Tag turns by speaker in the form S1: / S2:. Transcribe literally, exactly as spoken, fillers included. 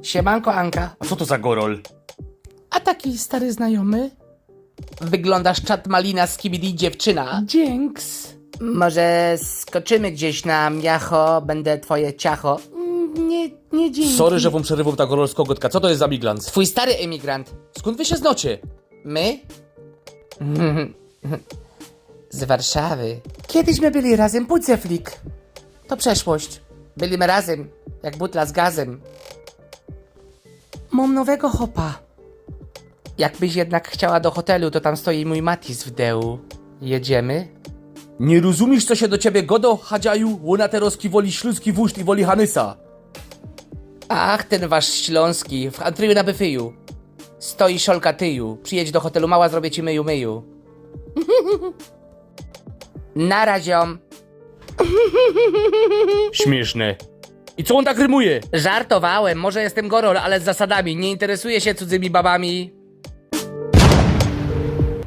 S1: Siemanko, Anka.
S2: A co to za gorol?
S1: A taki stary znajomy? Wyglądasz czat malina z kibidi dziewczyna. Dzięks. Może skoczymy gdzieś na miacho, będę twoje ciacho. Nie, nie dzięki.
S2: Sorry, że wam przerywam ta gorolska gotka. Co to jest za miglans?
S1: Twój stary emigrant.
S2: Skąd wy się znocie?
S1: My? Z Warszawy. Kiedyś my byli razem, Pudzeflik. To przeszłość. Byliśmy razem, jak butla z gazem. Mam nowego hopa. Jakbyś jednak chciała do hotelu, to tam stoi mój Matis w dełu. Jedziemy?
S2: Nie rozumiesz, co się do ciebie godo, Hadziaju? Łona teroski woli śląski wóżd i woli Hanysa.
S1: Ach, ten wasz śląski, w Antryju na Byfyju. Stoi szolka tyju. Przyjedź do hotelu mała, zrobię ci myju myju. Na raziom.
S2: Śmieszne. I co on tak rymuje?
S1: Żartowałem, może jestem gorol, ale z zasadami. Nie interesuję się cudzymi babami.